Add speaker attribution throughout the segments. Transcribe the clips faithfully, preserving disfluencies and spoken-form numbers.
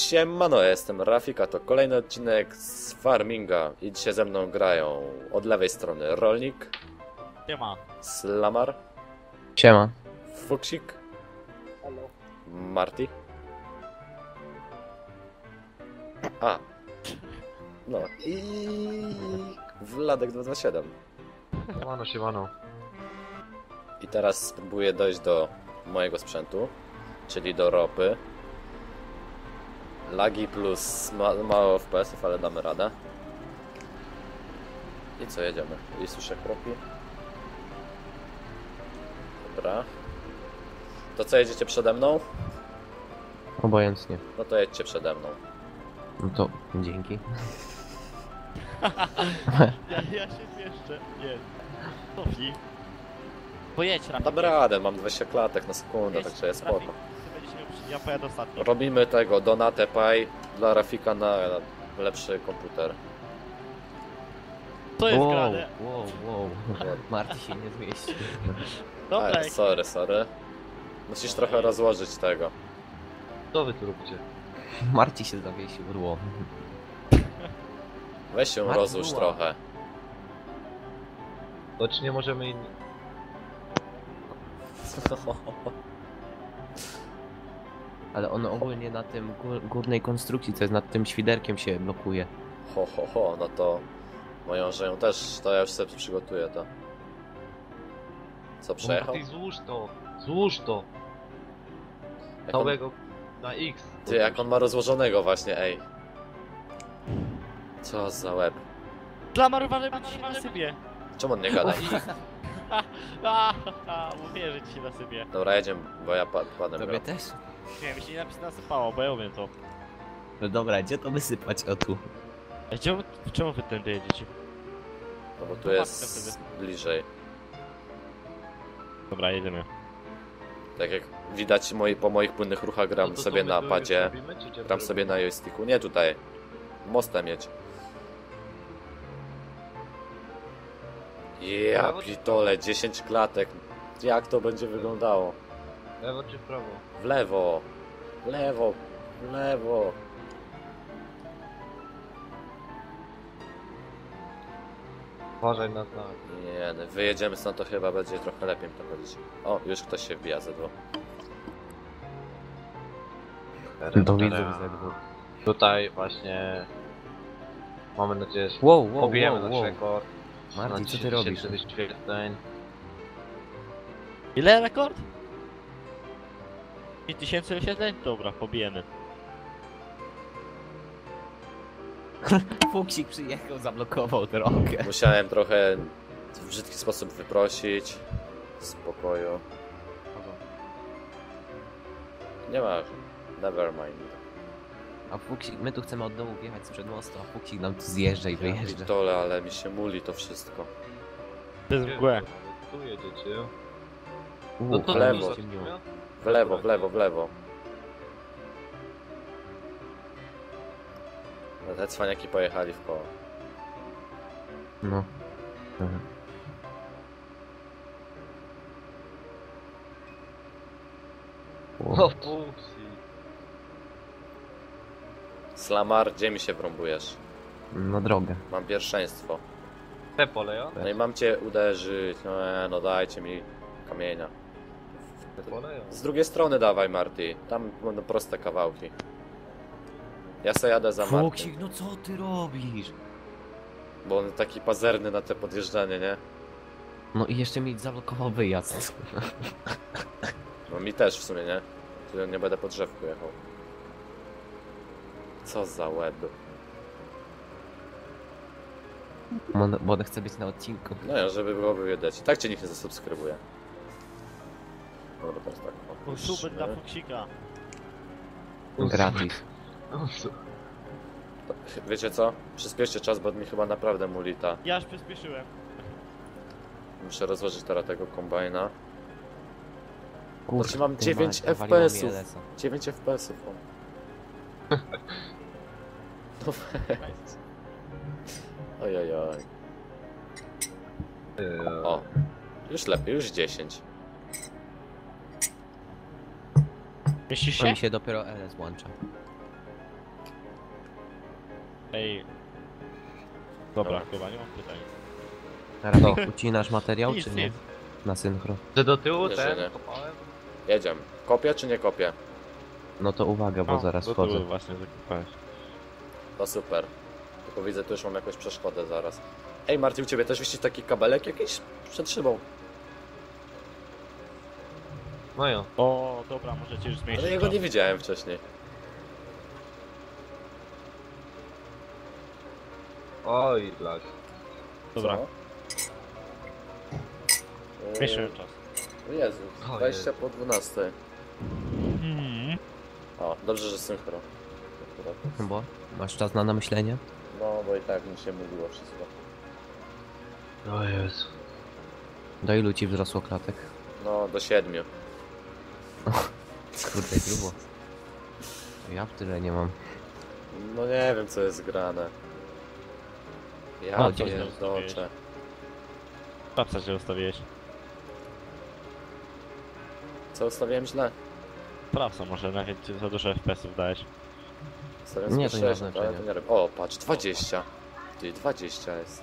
Speaker 1: Siemano, ja jestem Rafika, to kolejny odcinek z Farminga i dzisiaj ze mną grają od lewej strony Rolnik,
Speaker 2: Siema.
Speaker 1: Slamar,
Speaker 3: Siema.
Speaker 1: Fuksik, Marty. A, no i Wladek dwa dwa siedem.
Speaker 4: Siemano, siemano.
Speaker 1: I teraz spróbuję dojść do mojego sprzętu, czyli do ropy. Lagi plus ma mało F P S-ów, ale damy radę. I co, jedziemy? I słyszę kroki. Dobra. To co, jedziecie przede mną?
Speaker 3: Obojętnie.
Speaker 1: No to jedźcie przede mną.
Speaker 3: No to dzięki.
Speaker 2: Ja, ja się jeszcze. Nie. Tofi. Pojedź Rafik.
Speaker 1: Dam radę, mam dwadzieścia klatek na sekundę,
Speaker 2: Jedź,
Speaker 1: także jest
Speaker 2: Rafik.
Speaker 1: spoko.
Speaker 2: Ty będziesz miał przy- Ja pojadę ostatni.
Speaker 1: Robimy tego, Donate Pay dla Rafika na lepszy komputer.
Speaker 2: To jest
Speaker 3: wow,
Speaker 2: grane.
Speaker 3: wow, wow. Marty się nie zmieści.
Speaker 2: Dobra,
Speaker 1: A,
Speaker 2: jak...
Speaker 1: sorry, sorry. Musisz trochę rozłożyć tego.
Speaker 4: Co wy tu robicie?
Speaker 3: Marty się zawiesił, rło.
Speaker 1: Weź się
Speaker 3: Marty
Speaker 1: rozłóż
Speaker 3: była.
Speaker 1: trochę.
Speaker 4: To czy nie możemy inni...
Speaker 3: Ale on ogólnie na tym gór, górnej konstrukcji, co jest nad tym świderkiem, się blokuje.
Speaker 1: Ho, ho, ho, no to moją żenią też, to ja już sobie przygotuję to. Co, przejechał?
Speaker 4: Ty złóż to! Złóż to!
Speaker 1: Jak on,
Speaker 4: Całego na X.
Speaker 1: ty, jak on ma rozłożonego właśnie, ej. Co za łeb.
Speaker 2: Dla marowanej będzie się nasypie.
Speaker 1: Czemu on nie gada?
Speaker 2: A, a, mówię, że ci się nasypie.
Speaker 1: Dobra, jedziemy, bo ja pa padłem.
Speaker 3: Tobie
Speaker 1: gra.
Speaker 3: też?
Speaker 2: Nie, mi się nie napis nasypało, bo ja umiem to.
Speaker 3: No dobra, gdzie to wysypać? O tu.
Speaker 2: A czemu, czemu wy tędy jedziecie?
Speaker 1: No bo tu
Speaker 2: To
Speaker 1: jest bliżej.
Speaker 2: Dobra, jedziemy.
Speaker 1: Tak jak widać moi, po moich płynnych ruchach gram
Speaker 4: No to
Speaker 1: sobie
Speaker 4: co, my
Speaker 1: na
Speaker 4: tu
Speaker 1: padzie.
Speaker 4: już robimy, czy gdzie
Speaker 1: Gram
Speaker 4: to
Speaker 1: sobie na
Speaker 4: robimy?
Speaker 1: joysticku. Nie tutaj. Mostem jedź. Ja pitole, dziesięć klatek. Jak to będzie wyglądało?
Speaker 4: Lewo czy w prawo?
Speaker 1: W lewo. W lewo. W lewo.
Speaker 4: Uważaj na znak.
Speaker 1: Nie, no, wyjedziemy stąd, to chyba będzie trochę lepiej mi to chodzić. O, już ktoś się wbija ze dwóch.
Speaker 3: To widzę ze dwóch.
Speaker 4: Tutaj właśnie... Mamy nadzieję, że
Speaker 3: Wow, wow,
Speaker 4: pobijemy
Speaker 3: wow,
Speaker 4: nasz
Speaker 3: wow.
Speaker 4: rekord.
Speaker 3: Marty,
Speaker 4: Na
Speaker 3: co ty robisz?
Speaker 4: tysięcy wyświetleń.
Speaker 2: Ile rekord? pięć tysięcy wyświetleń? Dobra, pobijemy.
Speaker 3: Fuksik przyjechał, zablokował drogę.
Speaker 1: Musiałem trochę w brzydki sposób wyprosić. Z pokoju. Nie ma. Never mind.
Speaker 3: A Fuksik, my tu chcemy od dołu wjechać sprzed mostu, a Fuksik nam tu zjeżdża i
Speaker 1: Ja
Speaker 3: wyjeżdża.
Speaker 1: pitole, ale mi się muli to wszystko.
Speaker 2: To jest
Speaker 4: Gdzie
Speaker 2: mgłę.
Speaker 4: wy Tu jedziecie.
Speaker 3: Uuu,
Speaker 4: No to
Speaker 1: w lewo.
Speaker 4: tu
Speaker 3: ciemniło.
Speaker 4: zaczniemy?
Speaker 1: W lewo, w lewo, w lewo. No, te cwaniaki pojechali w koło.
Speaker 3: No. Mhm.
Speaker 4: O, pupsi.
Speaker 1: Slamar, gdzie mi się wrąbujesz?
Speaker 3: Na drogę.
Speaker 1: Mam pierwszeństwo.
Speaker 4: Te pole, ja?
Speaker 1: No i mam cię uderzyć. No, e, no dajcie mi kamienia.
Speaker 4: Te pole, ja?
Speaker 1: Z drugiej strony dawaj, Marty. Tam będą proste kawałki. Ja se jadę za Marty,
Speaker 3: Fuksik, no co ty robisz?
Speaker 1: bo on taki pazerny na te podjeżdżanie, nie?
Speaker 3: No i jeszcze mi zablokował wyjazd.
Speaker 1: No mi też w sumie, nie? Tu nie będę po drzewku jechał. Co za łeb.
Speaker 3: Bo bo on chce być na odcinku.
Speaker 1: No ja, żeby było widać. I tak cię nikt nie zasubskrybuje. Dobra, teraz tak.
Speaker 2: To super dla
Speaker 1: opuśćmy.
Speaker 2: Fuksika.
Speaker 3: Gratis.
Speaker 4: O, co?
Speaker 1: Wiecie co? Przyspieszcie czas, bo mi chyba naprawdę mulita.
Speaker 2: Ja już przyspieszyłem.
Speaker 1: Muszę rozłożyć teraz tego kombajna.
Speaker 3: Kurde,
Speaker 1: Znaczy mam
Speaker 3: ty
Speaker 1: dziewięć
Speaker 3: mać, nawaliło mi
Speaker 1: F P S-ów.
Speaker 3: L S-a.
Speaker 1: dziewięć F P S-ów. o. No weź. Ojojoj.
Speaker 4: Eee,
Speaker 1: O. Już lepiej, już dziesięć.
Speaker 2: Mieścisz
Speaker 3: To
Speaker 2: się?
Speaker 3: mi się dopiero L S włącza.
Speaker 2: Ej. Dobra,
Speaker 1: Dobra.
Speaker 2: chyba nie mam pytań.
Speaker 3: Rafik, ucinasz materiał,
Speaker 2: Nic,
Speaker 3: czy nie?
Speaker 2: nic.
Speaker 3: Na synchro.
Speaker 4: Że do tyłu
Speaker 1: Nie,
Speaker 4: ten
Speaker 1: że nie.
Speaker 4: kopałem?
Speaker 1: Jedziemy. Kopię czy nie kopię?
Speaker 3: No to uwaga, bo
Speaker 2: O,
Speaker 3: zaraz
Speaker 2: do
Speaker 3: wchodzę.
Speaker 2: tyłu właśnie zakopałeś.
Speaker 1: To super. Tylko widzę, tu już mam jakąś przeszkodę zaraz. Ej Marty, u ciebie też wisi taki kabelek jakiś przed szybą.
Speaker 4: No jo.
Speaker 2: O, dobra, możecie już zmieścić.
Speaker 1: Ale ja go
Speaker 2: to.
Speaker 1: nie widziałem wcześniej.
Speaker 4: Oj, lag.
Speaker 2: Dobra,
Speaker 1: Co?
Speaker 2: zmieściłem czas.
Speaker 1: O Jezu,
Speaker 4: O
Speaker 1: dwadzieścia
Speaker 4: Jezu.
Speaker 1: po dwunastej.
Speaker 2: Hmm.
Speaker 1: O, dobrze, że synchro. Akurat.
Speaker 3: Bo masz czas na namyślenie?
Speaker 1: No, bo i tak mi się mówiło wszystko.
Speaker 4: O Jezu.
Speaker 3: Do ilu ci wzrosło klatek?
Speaker 1: No, do siedmiu.
Speaker 3: Kurde, grubo. Ja w tyle nie mam.
Speaker 1: No nie wiem, co jest grane. Ja
Speaker 3: O,
Speaker 1: to
Speaker 3: gdzie
Speaker 1: nie
Speaker 2: jest?
Speaker 1: doczę.
Speaker 2: Patrzę, że ustawiłeś.
Speaker 1: Co ustawiłem źle?
Speaker 2: Sprawca może, nawet ci za dużo F P S-ów dałeś.
Speaker 1: Ustawiłem
Speaker 3: Nie,
Speaker 1: sobie
Speaker 3: to nie ma
Speaker 1: sześć, ale
Speaker 3: znaczenia.
Speaker 1: to nie robię. O, patrz, dwadzieścia. Ty, dwadzieścia jest.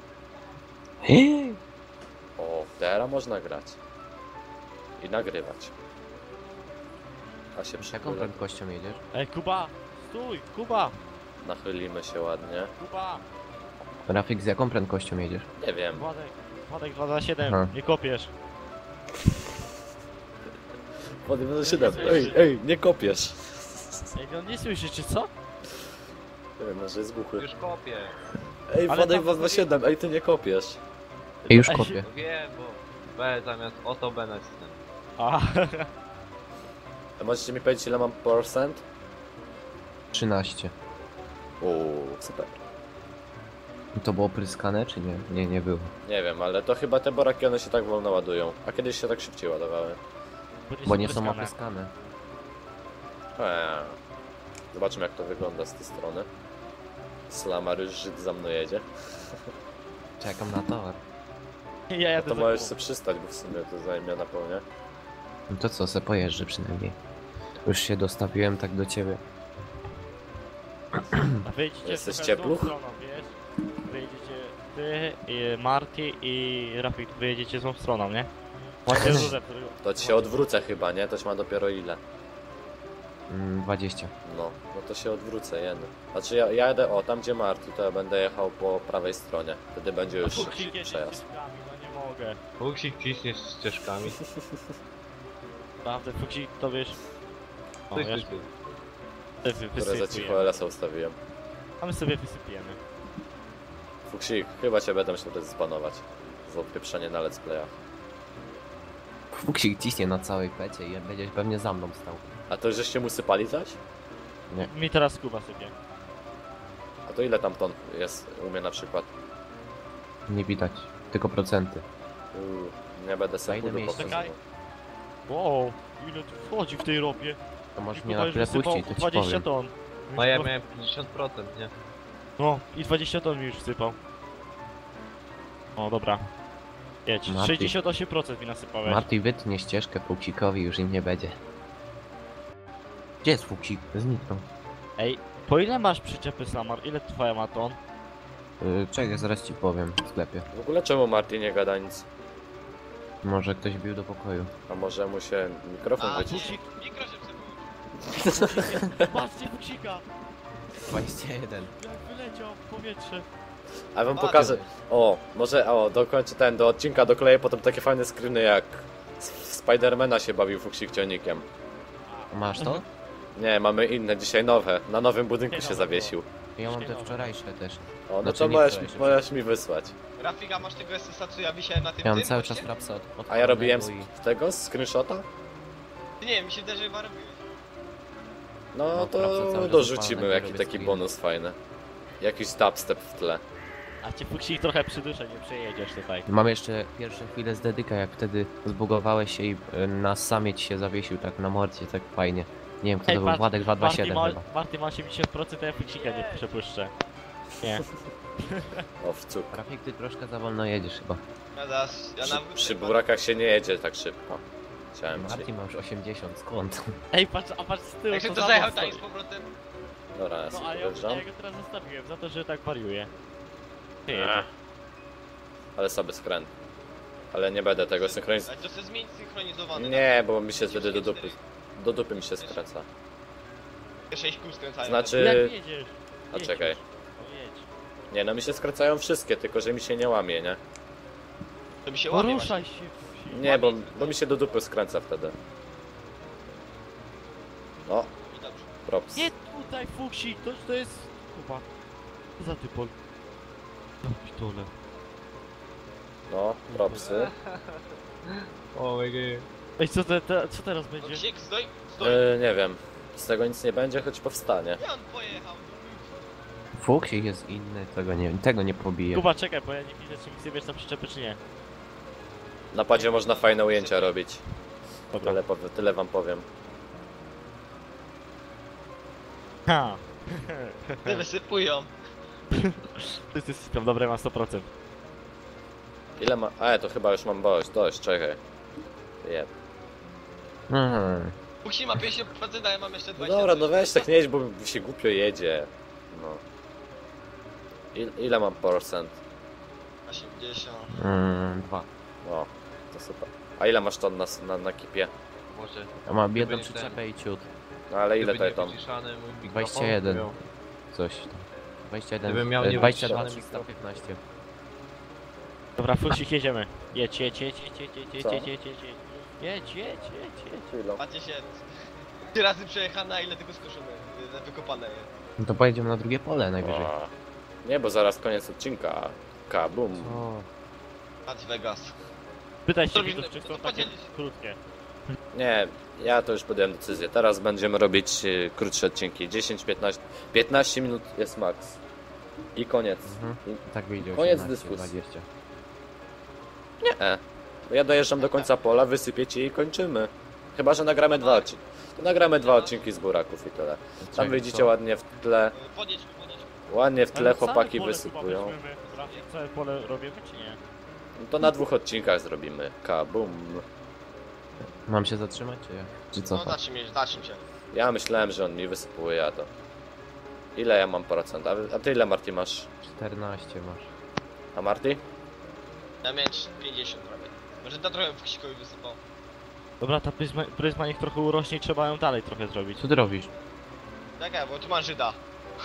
Speaker 1: O, teraz można grać. I nagrywać. A się
Speaker 3: Jaką
Speaker 1: przechylę.
Speaker 3: prędkością jedziesz?
Speaker 2: Ej, Kuba! Stój! Kuba!
Speaker 1: Nachylimy się ładnie.
Speaker 2: Kuba!
Speaker 3: Rafik, z jaką prędkością jedziesz?
Speaker 1: Nie wiem.
Speaker 2: Władek, Władek dwa za siedem,
Speaker 3: Aha.
Speaker 2: nie kopiesz.
Speaker 1: Podjemy siedem. Ej, ej, nie kopiesz.
Speaker 2: Ej, on nie słyszy, czy co?
Speaker 1: Nie wiem, może jest głuchy.
Speaker 4: Już kopię.
Speaker 1: Ej,
Speaker 2: Ale
Speaker 1: Władek
Speaker 2: tam
Speaker 1: dwa dwa siedem, ej, ty nie kopiesz.
Speaker 3: Ej, już
Speaker 2: Ej,
Speaker 3: kopię.
Speaker 4: No wiem, bo B zamiast oto B nacisnę.
Speaker 2: A,
Speaker 1: A możecie mi powiedzieć, ile mam procent?
Speaker 3: trzynaście.
Speaker 1: Uuu, super.
Speaker 3: To było pryskane, czy nie? Nie, nie było.
Speaker 1: Nie wiem, ale to chyba te boraki one się tak wolno ładują. A kiedyś się tak szybciej ładowały.
Speaker 3: Bo nie są
Speaker 2: opryskane.
Speaker 3: opryskane.
Speaker 1: Eee. Zobaczymy, jak to wygląda z tej strony. Slamar już Żyd za mną jedzie.
Speaker 3: Czekam na towar.
Speaker 2: Ja
Speaker 1: No
Speaker 2: jadę
Speaker 1: to
Speaker 2: za
Speaker 1: możesz
Speaker 2: tobą.
Speaker 1: sobie przystać, bo w sumie to zajmie na pełnię.
Speaker 3: No to co, se pojeżdżę przynajmniej. Już się dostawiłem tak do ciebie.
Speaker 2: A wyjdziecie
Speaker 1: Jesteś
Speaker 2: trochę w tą
Speaker 1: ciepluch?
Speaker 2: stroną, wiesz? Wyjedziecie ty, i Marty i Rafik, wyjedziecie złą stroną, nie? Macie rurę, który...
Speaker 1: To ci się odwrócę chyba, nie? To ci ma dopiero ile?
Speaker 3: Mm, dwadzieścia.
Speaker 1: No, no to się odwrócę, jen. Znaczy ja, ja jadę, o, tam gdzie Marty, to ja będę jechał po prawej stronie. Wtedy będzie już
Speaker 2: Fuksik jedzie
Speaker 1: przejazd.
Speaker 2: ścieżkami, no nie mogę.
Speaker 4: Fuksik ciśniesz ścieżkami.
Speaker 2: Prawda, Fuksik, to wiesz... O,
Speaker 4: Ty,
Speaker 2: ja
Speaker 4: ty, ty.
Speaker 2: wy,
Speaker 1: Które za cicho
Speaker 2: wysypujemy.
Speaker 1: L S-a ustawiłem.
Speaker 2: A my sobie wysypiemy.
Speaker 1: Fuksik, chyba cię będę musiał zbanować. Za odpieprzenie na let's playach.
Speaker 3: Fuksik ciśnie na całej pecie i będziesz pewnie za mną stał.
Speaker 1: A to już żeście mu sypali coś?
Speaker 2: Mi teraz Kuba sypie.
Speaker 1: A to ile tam ton jest u mnie na przykład?
Speaker 3: Nie widać, tylko procenty.
Speaker 1: Uuu, nie będę
Speaker 3: Na
Speaker 1: sobie
Speaker 3: ile
Speaker 1: chudu
Speaker 3: miejsca?
Speaker 1: pokazywał.
Speaker 2: Wow, ile tu wchodzi w tej ropie.
Speaker 3: To
Speaker 2: I
Speaker 3: możesz mnie
Speaker 2: Kuba
Speaker 3: na
Speaker 2: już
Speaker 3: chwilę
Speaker 2: wysypał
Speaker 3: puścić, to ci
Speaker 2: dwadzieścia
Speaker 3: powiem.
Speaker 2: ton.
Speaker 4: No ja miałem pięćdziesiąt procent, nie?
Speaker 2: No, i dwadzieścia ton mi już wsypał. O, dobra. Jedź,
Speaker 3: Marty.
Speaker 2: sześćdziesiąt osiem procent mi nasypałeś.
Speaker 3: Marty wytnie ścieżkę Fuksikowi, już im nie będzie. Gdzie jest Fuksik? Zniknął.
Speaker 2: Ej, po ile masz przyczepy Slamar? Ile twoja ma ton?
Speaker 3: Yy, czekaj, zaraz ci powiem w sklepie.
Speaker 1: W ogóle czemu Marty nie gada nic?
Speaker 3: Może ktoś bił do pokoju.
Speaker 1: A może mu się mikrofon
Speaker 4: A,
Speaker 1: wyciszy?
Speaker 4: Mikro się przebył.
Speaker 2: Patrzcie Fuksika!
Speaker 3: dwadzieścia jeden.
Speaker 2: Jak wyleciał w powietrze.
Speaker 1: A wam
Speaker 4: A,
Speaker 1: pokażę. O, może o, dokończę ten do odcinka, dokleję potem takie fajne screeny jak w Spidermana się bawił Fuksik ciągnikiem.
Speaker 3: Masz to?
Speaker 1: Nie, mamy inne, dzisiaj nowe. Na nowym budynku
Speaker 2: Nie,
Speaker 1: się
Speaker 2: nowe
Speaker 1: zawiesił.
Speaker 3: Ja mam te wczorajsze też.
Speaker 1: O, no
Speaker 3: Znaczy
Speaker 1: to
Speaker 3: nie
Speaker 1: możesz,
Speaker 3: wczorajsze.
Speaker 1: możesz mi wysłać.
Speaker 5: Rafika, masz tego S S a, co ja wisiałem na tym
Speaker 3: Ja mam
Speaker 5: tym
Speaker 3: cały
Speaker 5: moście?
Speaker 3: czas rapsa od, od
Speaker 1: A ja robiłem z
Speaker 3: i...
Speaker 1: z tego, z screenshota?
Speaker 5: Nie wiem, mi się wydaje, że chyba robiłeś.
Speaker 1: No
Speaker 3: No, prawda, cały
Speaker 1: to
Speaker 3: czas
Speaker 1: dorzucimy
Speaker 3: odpalę,
Speaker 1: jaki
Speaker 3: robię
Speaker 1: taki
Speaker 3: screen.
Speaker 1: bonus fajny. Jakiś dubstep w tle.
Speaker 2: A cię Fuksik trochę przyduszę, nie przejedziesz tutaj.
Speaker 3: Mam jeszcze pierwsze chwile z dedyka, jak wtedy zbugowałeś się i y, na samieć się zawiesił tak na morcie, tak fajnie. Nie wiem kto
Speaker 2: Ej,
Speaker 3: to był,
Speaker 2: Marty-
Speaker 3: Władek dwa dwa siedem
Speaker 2: Marty
Speaker 3: chyba.
Speaker 2: ma, Marty ma osiemdziesiąt procent, a ja Fuksika nie przepuszczę. Nie.
Speaker 1: O, w cuk.
Speaker 3: Rafik, ty troszkę za wolno jedziesz chyba.
Speaker 5: Ja zaraz, ja
Speaker 1: Przy,
Speaker 5: na
Speaker 1: przy burakach się nie jedzie tak szybko. Chciałem ci.
Speaker 3: Marty ma już osiemdziesiąt, skąd?
Speaker 2: Ej, patrz, a patrz z tyłu,
Speaker 5: Jak się
Speaker 2: to
Speaker 5: to
Speaker 2: za
Speaker 5: zajechał
Speaker 2: mną
Speaker 5: tak z
Speaker 2: stoi.
Speaker 5: powrotem?
Speaker 1: Dobra, ja
Speaker 2: No
Speaker 1: sobie
Speaker 2: a ja,
Speaker 1: dojeżdżam.
Speaker 2: ja go teraz zostawiłem za to, że tak wariuje. Ty
Speaker 1: Ech.
Speaker 2: jedzie.
Speaker 1: Ale sobie skręt. Ale nie będę tego synchronizować.
Speaker 5: Ale to chcę zmienić synchronizowany.
Speaker 1: Nie, bo mi się wtedy do dupy. Do dupy mi się skręca.
Speaker 5: Te sześć kół skręcają.
Speaker 1: Znaczy-
Speaker 2: Jak jedziesz?
Speaker 1: A
Speaker 2: Jedź
Speaker 1: czekaj.
Speaker 2: już. No jedź.
Speaker 1: Nie, no mi się skręcają wszystkie, tylko że mi się nie łamie, nie?
Speaker 5: To mi się łamie
Speaker 2: Poruszaj się.
Speaker 1: Nie, bo, bo mi się do dupy skręca wtedy. No,
Speaker 5: właśnie. I dobrze.
Speaker 1: props.
Speaker 2: Nie tutaj fuksik, to, to jest... Kuba. Co za typol? No pitole.
Speaker 1: No, propsy.
Speaker 4: O my god.
Speaker 2: Ej, co, te, te, co teraz będzie?
Speaker 5: Księg, stoi, stoi.
Speaker 1: E, nie wiem. Z tego nic nie będzie, choć powstanie.
Speaker 5: Gdzie on pojechał?
Speaker 3: Fuksik jest inny, tego nie, tego nie pobije.
Speaker 2: Kuba, czekaj, bo ja nie widzę, czy mi sobie wiesz na przyczepy, czy nie.
Speaker 1: Na padzie można fajne ujęcia robić.
Speaker 2: Dobra.
Speaker 1: Tyle, powie- tyle wam powiem.
Speaker 2: Ha!
Speaker 5: Te wysypują.
Speaker 2: To jest system, dobre, mam sto procent.
Speaker 1: Ile ma... A, to chyba już mam dość, dość, czekaj. Jeb.
Speaker 3: Mhm.
Speaker 5: Musi ma pięćdziesiąt procent, a ja mam jeszcze
Speaker 1: No
Speaker 5: dwadzieścia.
Speaker 1: dobra, no weź tak nie jedź, bo mi się głupio jedzie. No. Il, ile mam procent?
Speaker 5: osiemdziesiąt.
Speaker 3: Mm, dwa.
Speaker 1: O, to super. A ile masz ton na, na, na kipie?
Speaker 4: Może.
Speaker 3: Ja mam jedną
Speaker 4: nie ten.
Speaker 3: przyczepę i ciut.
Speaker 1: No ale ile
Speaker 4: Gdyby
Speaker 1: to
Speaker 4: nie
Speaker 1: jest ton?
Speaker 4: wyciszany mój mikrofon,
Speaker 3: dwadzieścia jeden.
Speaker 4: miał-
Speaker 3: Coś tam. dwadzieścia jeden.
Speaker 4: Gdybym miał
Speaker 3: e,
Speaker 4: nie
Speaker 3: dwadzieścia dwa,
Speaker 4: wyciszony
Speaker 3: trzysta piętnaście.
Speaker 2: Dobra, fuksik, jedziemy. Jedź, jedź, jedź, jedź, jedź, jedź,
Speaker 1: Co?
Speaker 2: jedź, jedź, jedź, jedź. Jedź, jedź, jedź, jedź.
Speaker 1: Chwilą.
Speaker 5: Patrzcie się. Trzy razy przejechane, a ile tego skoszone? y, Wykopane jest.
Speaker 3: No to pojedziemy na drugie pole najwyżej.
Speaker 1: O. Nie, bo zaraz koniec odcinka. Kabum.
Speaker 3: O,
Speaker 5: Patrz Vegas.
Speaker 2: Pytaj się,
Speaker 5: Zrobisz-
Speaker 2: widzów, czy są
Speaker 5: to
Speaker 2: takie
Speaker 5: podzielić.
Speaker 2: krótkie.
Speaker 1: Nie, ja to już podjąłem decyzję. Teraz będziemy robić y, krótsze odcinki. dziesięć piętnaście. piętnaście minut jest max. I koniec.
Speaker 3: mhm.
Speaker 1: I,
Speaker 3: Tak wyjdzie
Speaker 1: Koniec
Speaker 3: osiemnaście,
Speaker 1: dyskusji.
Speaker 3: dwadzieścia.
Speaker 1: nie. Bo ja dojeżdżam do końca pola, wysypiecie i kończymy. Chyba, że nagramy dwa odcinki. To nagramy dwa odcinki z buraków i tyle. Tam
Speaker 3: Czekaj,
Speaker 1: wyjdziecie
Speaker 3: co?
Speaker 1: tle. w tle.
Speaker 5: Y, Podjedź tu, podjedź tu.
Speaker 1: Ładnie w tle
Speaker 2: Ale całe
Speaker 1: chłopaki
Speaker 2: pole
Speaker 1: wysypują.
Speaker 2: chyba weźmiemy. Rafik, całe pole robimy, czy nie?
Speaker 1: No to na dwóch odcinkach zrobimy. Kabum.
Speaker 3: Mam się zatrzymać, czy jak? Czy co?
Speaker 5: No zatrzym się, zatrzym się.
Speaker 1: Ja myślałem, że on mi wysypuje, a to... Ile ja mam procent? A, a ty ile, Marty, masz?
Speaker 3: czternaście masz.
Speaker 1: A Marty?
Speaker 5: Ja miałem pięćdziesiąt prawie. Może to trochę w ksikowi wysypał.
Speaker 2: Dobra, ta pryzma, pryzma niech trochę urośnie i trzeba ją dalej trochę zrobić.
Speaker 3: Co ty robisz?
Speaker 5: Czekaj, bo tu mam Żyda.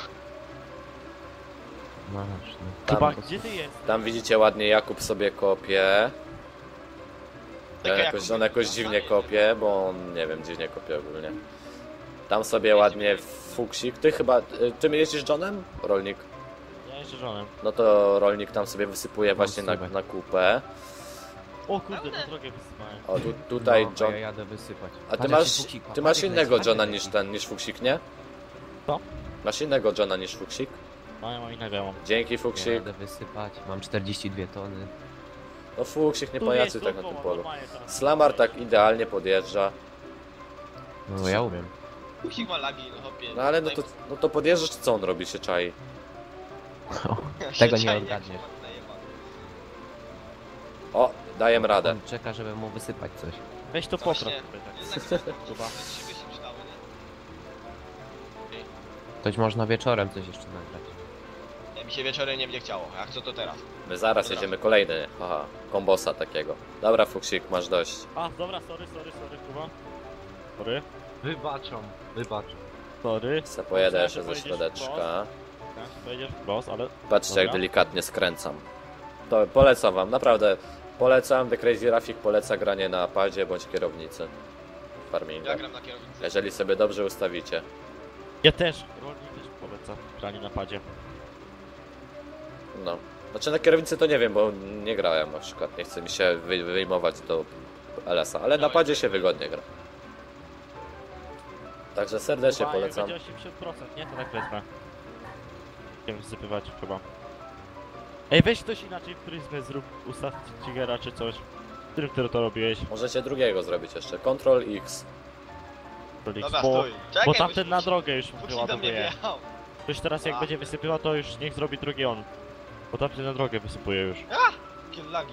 Speaker 3: Masz, no.
Speaker 2: Chyba,
Speaker 1: Tam,
Speaker 2: gdzie ty jest?
Speaker 1: tam widzicie ładnie, Jakub sobie kopie.
Speaker 5: Czekaj,
Speaker 1: On jakoś,
Speaker 5: Jakub,
Speaker 1: on jakoś
Speaker 5: a,
Speaker 1: dziwnie
Speaker 5: nie,
Speaker 1: kopie, bo on, nie wiem, dziwnie kopie ogólnie. Tam sobie ładnie fuksik. Ty chyba... y, Ty jeździsz Johnem? Rolnik.
Speaker 2: Ja jeszcze żonem.
Speaker 1: No to rolnik tam sobie wysypuje właśnie na,
Speaker 3: słuchaj.
Speaker 1: na kupę.
Speaker 2: O kurde, na drogę wysypałem.
Speaker 1: O, tu, tutaj
Speaker 3: no,
Speaker 1: John...
Speaker 3: Ja jadę wysypać.
Speaker 1: A ty
Speaker 3: Patrz,
Speaker 1: masz,
Speaker 3: jaki fuksik ma.
Speaker 1: ty masz
Speaker 3: Patrz, jak
Speaker 1: innego
Speaker 3: leci,
Speaker 1: Johna
Speaker 3: patrz,
Speaker 1: niż
Speaker 3: jak
Speaker 1: ten, niż fuksik, nie?
Speaker 2: Co?
Speaker 1: Masz innego Johna niż fuksik?
Speaker 2: No ja mam innego, ja mam.
Speaker 1: Dzięki
Speaker 3: leci. Ja
Speaker 1: fuksik.
Speaker 3: jadę wysypać, mam czterdzieści dwie tony.
Speaker 1: No fuksik nie
Speaker 2: Tu
Speaker 1: pajacuj
Speaker 2: jedź
Speaker 1: tak na
Speaker 2: dookoła,
Speaker 1: tym polu.
Speaker 2: normalnie teraz.
Speaker 1: Slamar tak idealnie podjeżdża.
Speaker 3: No ja umiem.
Speaker 5: Ksik ma lagi, no hopie.
Speaker 1: No ale no to, no to podjeżdżasz, co on robi, się czai.
Speaker 5: Się
Speaker 3: Tego nie
Speaker 5: czai, jak
Speaker 3: odgadniesz.
Speaker 5: się ma najebany.
Speaker 1: O, daję radę.
Speaker 3: On czeka, żeby mu wysypać coś.
Speaker 2: Weź to
Speaker 5: No
Speaker 2: popraw
Speaker 5: właśnie.
Speaker 2: sobie tak.
Speaker 5: Jednak
Speaker 2: Chyba.
Speaker 5: trzy by się przydały, nie?
Speaker 3: Ktoś można wieczorem coś jeszcze nagrać.
Speaker 5: Nie, mi się wieczorem nie będzie chciało. Jak co to teraz?
Speaker 1: My zaraz jedziemy kolejny. Aha, kombosa takiego. Dobra fuksik, masz dość.
Speaker 2: A, dobra, sorry, sorry, sorry, Kuba. Sorry,
Speaker 4: Wybaczam, wybaczam.
Speaker 2: sorry.
Speaker 1: Se pojedę
Speaker 2: Myślałem,
Speaker 1: jeszcze
Speaker 2: że
Speaker 1: ze
Speaker 2: pojedziesz
Speaker 1: środeczka.
Speaker 2: Tak, pojedziesz w cross, ale...
Speaker 1: Patrzcie jak
Speaker 2: Dobra.
Speaker 1: delikatnie skręcam. To polecam wam, naprawdę. Polecam, The Crazy Rafik poleca granie na padzie bądź kierownicy. Farminga.
Speaker 5: Ja gram na kierownicy.
Speaker 1: Jeżeli sobie dobrze ustawicie.
Speaker 2: Ja też, rolnik też polecam granie na padzie.
Speaker 1: No. Znaczy na kierownicy to nie wiem, bo nie grałem na przykład. Nie chce mi się wy wyjmować do L S a, ale na padzie się wygodnie gra. Także serdecznie
Speaker 2: Kuba, jak
Speaker 1: polecam.
Speaker 2: będzie osiemdziesiąt procent, nie? To tak wezmę. Chcę wsypywać chyba. Ej, weź ktoś inaczej pryzmę, zrób ustaw Tigera czy coś. W którym ty to robiłeś?
Speaker 1: Możecie drugiego zrobić jeszcze. Control X.
Speaker 2: Rolik,
Speaker 5: Dobra,
Speaker 2: bo,
Speaker 5: stój. Czekaj,
Speaker 2: bo
Speaker 5: bo
Speaker 2: tamten
Speaker 5: się-
Speaker 2: na drogę już
Speaker 5: Fuksik do mnie
Speaker 2: wyładowuje.
Speaker 5: wjechał.
Speaker 2: Ktoś teraz jak
Speaker 5: A.
Speaker 2: będzie wysypywał, to już niech zrobi drugi on. Bo tamten na drogę wysypuje już.
Speaker 5: Jakie lagi.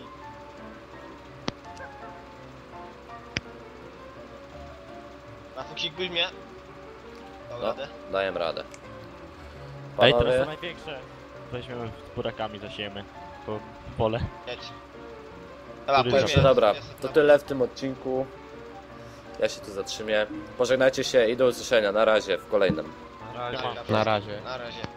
Speaker 5: Na fuksik byś mnie. Dał
Speaker 1: No.
Speaker 5: radę.
Speaker 1: Daję radę.
Speaker 2: Ej, teraz
Speaker 1: Panowie,
Speaker 2: to największe. Weźmiemy z burakami, zasiejemy to pole.
Speaker 5: Jedź. Dobra,
Speaker 2: Który
Speaker 5: powiedz
Speaker 1: dobrze,
Speaker 5: mi,
Speaker 1: dobra,
Speaker 5: jest-
Speaker 1: to tyle w tym odcinku. Ja się tu zatrzymię. Pożegnajcie się i do usłyszenia. Na razie w kolejnym.
Speaker 4: Na razie.
Speaker 5: Dobra,
Speaker 3: Na razie.
Speaker 5: Na razie.